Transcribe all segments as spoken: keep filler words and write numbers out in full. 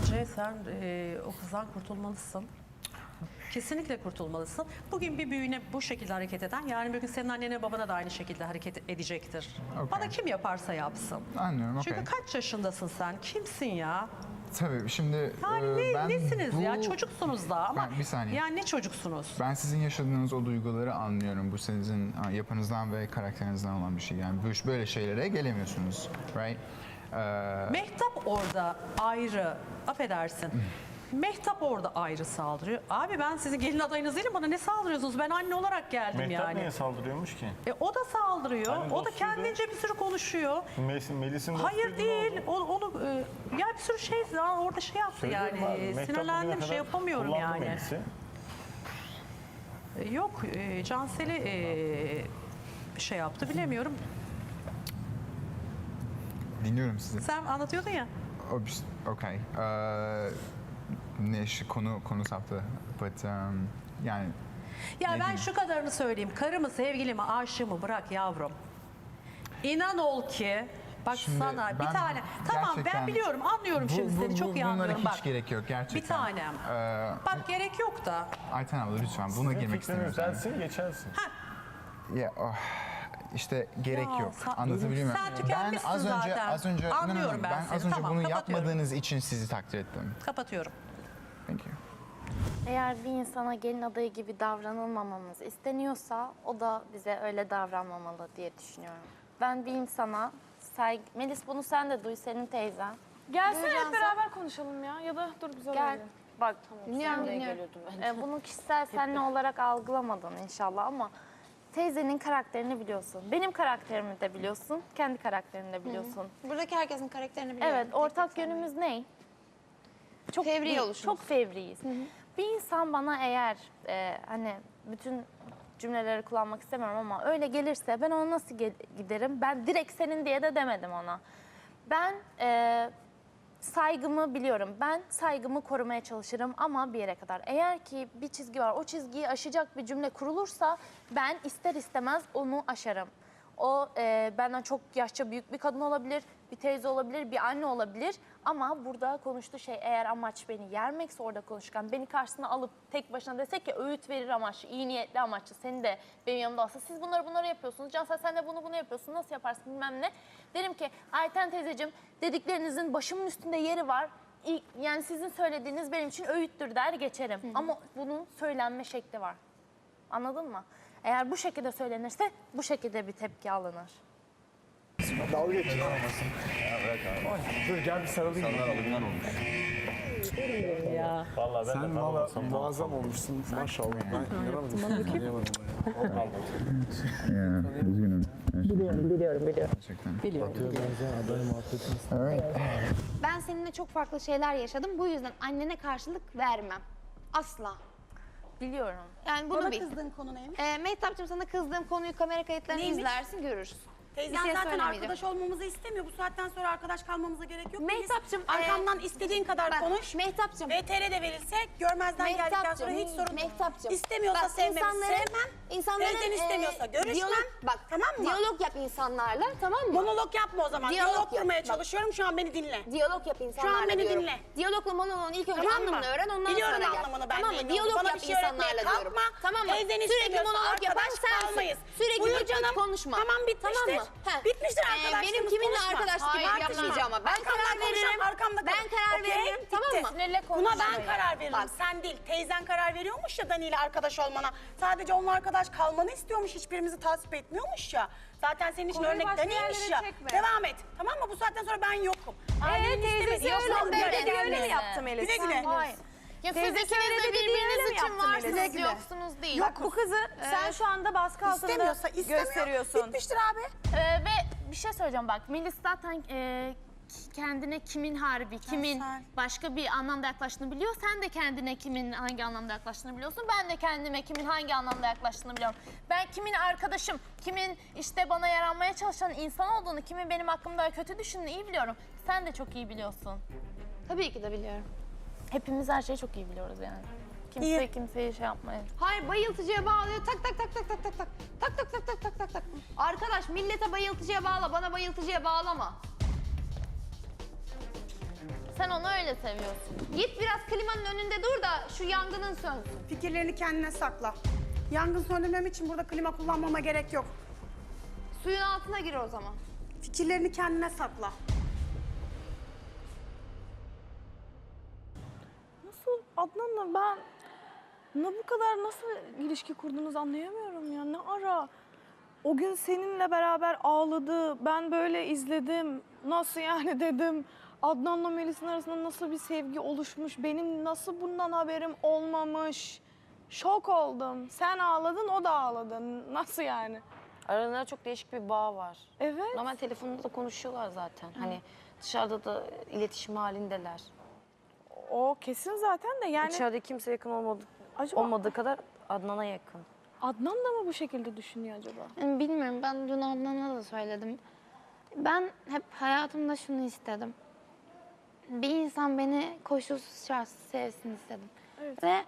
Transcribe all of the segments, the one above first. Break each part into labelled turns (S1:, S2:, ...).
S1: Bence sen e, o kızdan kurtulmalısın. Kesinlikle kurtulmalısın. Bugün bir büyüğüne bu şekilde hareket eden, yarın bir gün senin annene babana da aynı şekilde hareket edecektir.
S2: Okay.
S1: Bana kim yaparsa yapsın.
S2: Anlıyorum, okey.
S1: Çünkü kaç yaşındasın sen? Kimsin ya?
S2: Tabii şimdi
S1: Yani
S2: e,
S1: ne,
S2: ben
S1: nesiniz
S2: bu...
S1: ya? Çocuksunuz da ama
S2: Ben- bir saniye.
S1: yani ne çocuksunuz?
S2: Ben sizin yaşadığınız o duyguları anlıyorum. Bu sizin ha, yapınızdan ve karakterinizden olan bir şey. Yani bu- böyle şeylere gelemiyorsunuz, right? Ee,
S1: Mehtap orada ayrı, affedersin. Mehtap orada ayrı saldırıyor. Abi ben sizin gelin adayınız değilim, bana ne saldırıyorsunuz? Ben anne olarak geldim
S3: Mehtap
S1: yani.
S3: niye saldırıyormuş ki?
S1: E, o da saldırıyor.
S3: Hani
S1: o da
S3: dostuydu.
S1: kendince bir sürü konuşuyor.
S3: Melis'in Melis'in
S1: Hayır
S3: dostuydu,
S1: değil.
S3: ne oldu?
S1: O, onu e, ya bir sürü şey ya orada şey yaptı
S3: Söylüyorum
S1: yani.
S3: abi, Mehtap
S1: Sinirlendim,
S3: bugüne
S1: şey
S3: kadar
S1: yapamıyorum
S3: kullandı
S1: yani.
S3: Melis'i.
S1: E, yok e, Cansel'i e, şey yaptı bilemiyorum.
S2: dinliyorum sizi.
S1: Sen anlatıyordun ya.
S2: O bir- Okay. Ee, ne şu konu konu saptı. But um, yani
S1: Ya
S2: Ne
S1: ben
S2: diyeyim?
S1: şu kadarını söyleyeyim. Karımı, sevgilimi, aşığımı bırak yavrum. İnan ol ki bak
S2: Şimdi
S1: sana bir
S2: ben
S1: tane tamam ben
S2: gerçekten-
S1: biliyorum anlıyorum
S2: Bu-
S1: şimdi
S2: bu-
S1: seni
S2: bu-
S1: çok iyi
S2: bunlara
S1: anlıyorum
S2: hiç
S1: bak.
S2: gerek yok gerçekten.
S1: Bir tanem.
S2: Ee,
S1: Bak gerek yok da.
S2: Ayten abla lütfen buna
S3: Senin
S2: girmek
S3: fikrini
S2: istemiyorum.
S3: yükselsin, geçersin.
S2: Ya oh, işte gerek
S1: Ya,
S2: yok.
S1: sa-
S2: Anlatabiliyor muyum?
S1: sen tükenmişsin
S2: ben az önce
S1: zaten.
S2: az önce
S1: Anlıyorum ben
S2: ben
S1: seni.
S2: az önce
S1: Tamam,
S2: bunu
S1: kapatıyorum.
S2: yapmadığınız için sizi takdir ettim.
S1: Kapatıyorum.
S2: Thank you.
S4: Eğer bir insana gelin adayı gibi davranılmamamız isteniyorsa o da bize öyle davranmamalı diye düşünüyorum. Ben bir insana saygı... Melis bunu sen de duy, senin teyzen.
S5: Gelsene hep
S4: Duyacağım
S5: beraber konuşalım ya. Ya da dur güzel
S4: Gel.
S5: oluyor.
S4: Bak, dinliyorum, dinliyorum. Ee, bunu kişisel senle olarak algılamadın inşallah ama teyzenin karakterini biliyorsun. Benim karakterimi de biliyorsun, kendi karakterini de biliyorsun.
S6: Buradaki herkesin karakterini biliyorum.
S4: Evet,
S6: Tek
S4: ortak
S6: tek
S4: yönümüz ne? Çok
S6: Fevri
S4: bir-
S6: oluşumuz.
S4: Çok fevriyiz. Bir insan bana eğer e, hani bütün cümleleri kullanmak istemiyorum ama öyle gelirse ben ona nasıl ge- giderim? Ben direkt senin diye de demedim ona. Ben e, saygımı biliyorum. Ben saygımı korumaya çalışırım ama bir yere kadar. Eğer ki bir çizgi var, o çizgiyi aşacak bir cümle kurulursa ben ister istemez onu aşarım. O e, benden çok yaşça büyük bir kadın olabilir, bir teyze olabilir, bir anne olabilir. Ama burada konuştuğu şey eğer amaç beni yermekse orada konuşurken beni karşısına alıp tek başına desek ki öğüt verir amaçlı, iyi niyetli amaçlı. Seni de benim yanımda olsa siz bunları bunları yapıyorsunuz. Cansel sen de bunu bunu yapıyorsun. Nasıl yaparsın bilmem ne. Derim ki Ayten teyzeciğim dediklerinizin başımın üstünde yeri var. İlk- Yani sizin söylediğiniz benim için öğüttür der geçerim. Ama bunun söylenme şekli var. Anladın mı? Eğer bu şekilde söylenirse bu şekilde bir tepki alınır.
S7: Dalga geçiyor. Dur gel bir sarılayım.
S1: Ya.
S3: Vallahi ben
S7: Sen
S3: de
S7: valla
S3: tanımasam
S7: muazzam olmuşsun maşallah. Ben inanamadım. Anlayamadım.
S2: Üzgünüm.
S1: Biliyorum, biliyorum, biliyorum.
S2: Gerçekten.
S1: Biliyorum.
S2: Alright.
S6: Ben seninle çok farklı şeyler yaşadım. Bu yüzden annene karşılık vermem. Asla.
S4: Biliyorum.
S6: Yani bunu
S8: Bana
S6: bil.
S8: kızdığın konu neymiş?
S6: Ee, Mehtapçığım sana kızdığım konuyu kamera kayıtlarını
S8: Neymiş?
S6: izlersin görürsün.
S8: Teyzen
S6: bir şey
S8: zaten
S6: söylemeyeceğim.
S8: arkadaş olmamızı istemiyor. Bu saatten sonra arkadaş kalmamıza gerek yok.
S6: Mehtapçığım,
S8: Melis. Arkamdan
S6: e,
S8: istediğin kadar
S6: Bak,
S8: konuş.
S6: Mehtapçığım.
S8: V T R de verilse görmezden geldikten
S6: Mehtapçığım,
S8: sonra hiç sorun yok.
S6: Mehtapçığım.
S8: İstemiyorsa
S6: Bak,
S8: sevmemi
S6: insanların-
S8: sevmem.
S6: insanların,
S8: Teyzen istemiyorsa
S6: e,
S8: görüşmem.
S6: diyalog- bak,
S8: tamam mı?
S6: Diyalog yap insanlarla, tamam mı?
S8: Monolog yapma o zaman.
S6: Diyalog
S8: Diyalog,
S6: yap.
S8: kurmaya
S6: Bak.
S8: çalışıyorum. Şu an beni dinle.
S6: Diyalog yap insanlarla
S8: beni
S6: diyorum.
S8: dinle.
S6: Diyalogla monoloğun ilk önce
S8: Tamam mı?
S6: anlamını öğren, ondan
S8: Biliyorum
S6: sonra gel.
S8: anlamını, ben
S6: Tamam
S8: neyin
S6: mı?
S8: olduğunu.
S6: Diyalog
S8: Bana
S6: yap
S8: bir şey öğretmeye
S6: insanlarla diyorum.
S8: kalkma.
S6: Tamam mı?
S8: Teyzen
S6: Sürekli
S8: istemiyorsa
S6: monolog yapan
S8: arkadaş
S6: sensin.
S8: kalmayız.
S6: Sürekli
S8: Buyur
S6: pıt pıt
S8: canım.
S6: konuşma.
S8: Tamam, bitmiştir.
S6: Tamam mı? Heh.
S8: Bitmiştir
S6: Ee,
S8: arkadaşlığımız,
S6: benim kiminle
S8: konuşma.
S6: arkadaş gibi
S8: Hayır,
S6: yapmayacağım ama ben
S8: Arkamdan
S6: karar
S8: konuşan
S6: veririm.
S8: arkamda
S6: Ben
S8: kalır.
S6: karar
S8: Okey,
S6: veririm. Tamam
S8: bitti.
S6: mı?
S5: Sinirle
S8: Buna
S5: konuşmayın.
S8: ben karar veririm.
S6: Bak.
S8: Sen değil. Teyzen karar veriyormuş ya Dani ile arkadaş olmana. Sadece onunla arkadaş kalmanı istiyormuş. Hiçbirimizi tasvip etmiyormuş ya. Zaten senin için
S5: Konuyu
S8: örnek
S5: başka
S8: Dani'ymiş
S5: yerlere
S8: ya.
S5: çekme.
S8: Devam et. Tamam mı? Bu saatten sonra ben yokum. Ailenin
S5: teyzesi
S8: istemediği
S5: öyle
S8: yoksa
S5: mi?
S8: böyle
S5: Öyle
S8: gelmez.
S5: mi yaptı Melis?
S8: Güle güle.
S5: Hayır.
S4: Ya siz
S5: Teyzesi
S4: ikiniz
S5: öyle
S4: de
S5: dedi diye
S4: birbiriniz
S5: öyle mi
S4: için
S5: yaptı Melis?
S4: varsınız,
S5: Güle güle.
S4: yoksunuz değil.
S5: Bak bu kızı sen şu anda baskı altında
S8: İstemiyorsa istemiyor.
S5: gösteriyorsun.
S8: Bitmiştir abi.
S4: Ee, ve bir şey söyleyeceğim bak. Melis zaten e, kendine kimin harbi, kimin
S8: Cansel.
S4: başka bir anlamda yaklaştığını biliyor. Sen de kendine kimin hangi anlamda yaklaştığını biliyorsun. Ben de kendime kimin hangi anlamda yaklaştığını biliyorum. Ben kimin arkadaşım, kimin işte bana yaranmaya çalışan insan olduğunu, kimin benim hakkımda kötü düşündüğünü iyi biliyorum. Sen de çok iyi biliyorsun.
S6: Tabii ki de biliyorum.
S4: Hepimiz her şeyi çok iyi biliyoruz yani. Kimse
S8: İyi.
S4: kimseyi şey yapmayın.
S6: Hayır, bayıltıcıya bağlıyor. Tak tak tak tak tak tak tak. Tak tak tak tak tak tak tak. Arkadaş millete bayıltıcıya bağla, bana bayıltıcıya bağlama.
S4: Sen onu öyle seviyorsun.
S6: Git biraz klimanın önünde dur da şu yangının sönsün.
S8: Fikirlerini kendine sakla. Yangın söndürmem için burada klima kullanmama gerek yok.
S6: Suyun altına gir o zaman.
S8: Fikirlerini kendine sakla.
S5: Nasıl Adnan'la ben ne bu kadar nasıl ilişki kurdunuz anlayamıyorum ya. Ne ara? O gün seninle beraber ağladı. Ben böyle izledim. Nasıl yani dedim. Adnan'la Melis'in arasında nasıl bir sevgi oluşmuş. Benim nasıl bundan haberim olmamış. Şok oldum. Sen ağladın, o da ağladı. Nasıl yani?
S3: Aralarında çok değişik bir bağ var.
S5: Evet.
S3: Normal telefonda da konuşuyorlar zaten. Hani dışarıda da iletişim halindeler.
S5: O kesin zaten de yani
S3: İçeride kimse yakın olmadı,
S5: acaba
S3: olmadığı kadar Adnan'a yakın.
S5: Adnan da mı bu şekilde düşünüyor acaba?
S6: Yani bilmiyorum, ben dün Adnan'a da söyledim. Ben hep hayatımda şunu istedim. Bir insan beni koşulsuz şartsız sevsin istedim.
S5: Evet.
S6: Ve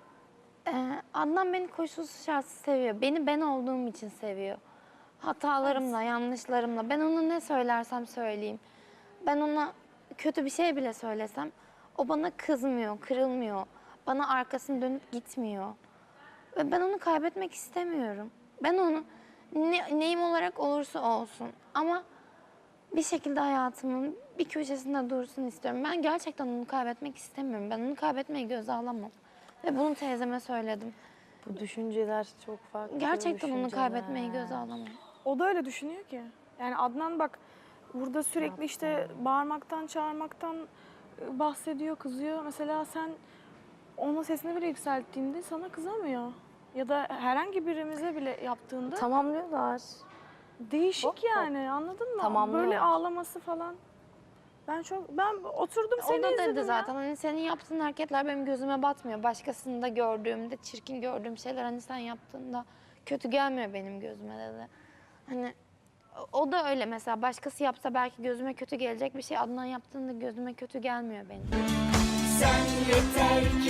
S6: e, Adnan beni koşulsuz şartsız seviyor. Beni ben olduğum için seviyor. Hatalarımla, yanlışlarımla. Ben ona ne söylersem söyleyeyim. Ben ona kötü bir şey bile söylesem o bana kızmıyor, kırılmıyor. Bana arkasını dönüp gitmiyor. Ve ben onu kaybetmek istemiyorum. Ben onu ne, neyim olarak olursa olsun ama bir şekilde hayatımın bir köşesinde dursun istiyorum. Ben gerçekten onu kaybetmek istemiyorum. Ben onu kaybetmeyi göze alamam. Ve bunu teyzeme söyledim.
S3: Bu düşünceler çok farklı.
S6: Gerçekten onu
S3: düşünceler.
S6: kaybetmeyi göze alamam.
S5: O da öyle düşünüyor ki. Yani Adnan bak burada sürekli işte bağırmaktan, çağırmaktan e, bahsediyor, kızıyor. Mesela sen ona sesini bile yükselttiğinde sana kızamıyor. Ya da herhangi birimize bile yaptığında
S3: Tamamlıyorlar.
S5: değişik
S3: Hop hop.
S5: yani, anladın mı?
S3: Tamamlıyorlar.
S5: Böyle ağlaması falan. Ben çok ben oturdum seni
S6: O da
S5: izledim
S6: dedi
S5: ya.
S6: zaten, hani senin yaptığın hareketler benim gözüme batmıyor. Başkasında gördüğümde, çirkin gördüğüm şeyler hani sen yaptığında kötü gelmiyor benim gözüme dedi. Hani o- o da öyle mesela, başkası yapsa belki gözüme kötü gelecek bir şey, Adnan yaptığında gözüme kötü gelmiyor benim.
S9: Sen yeter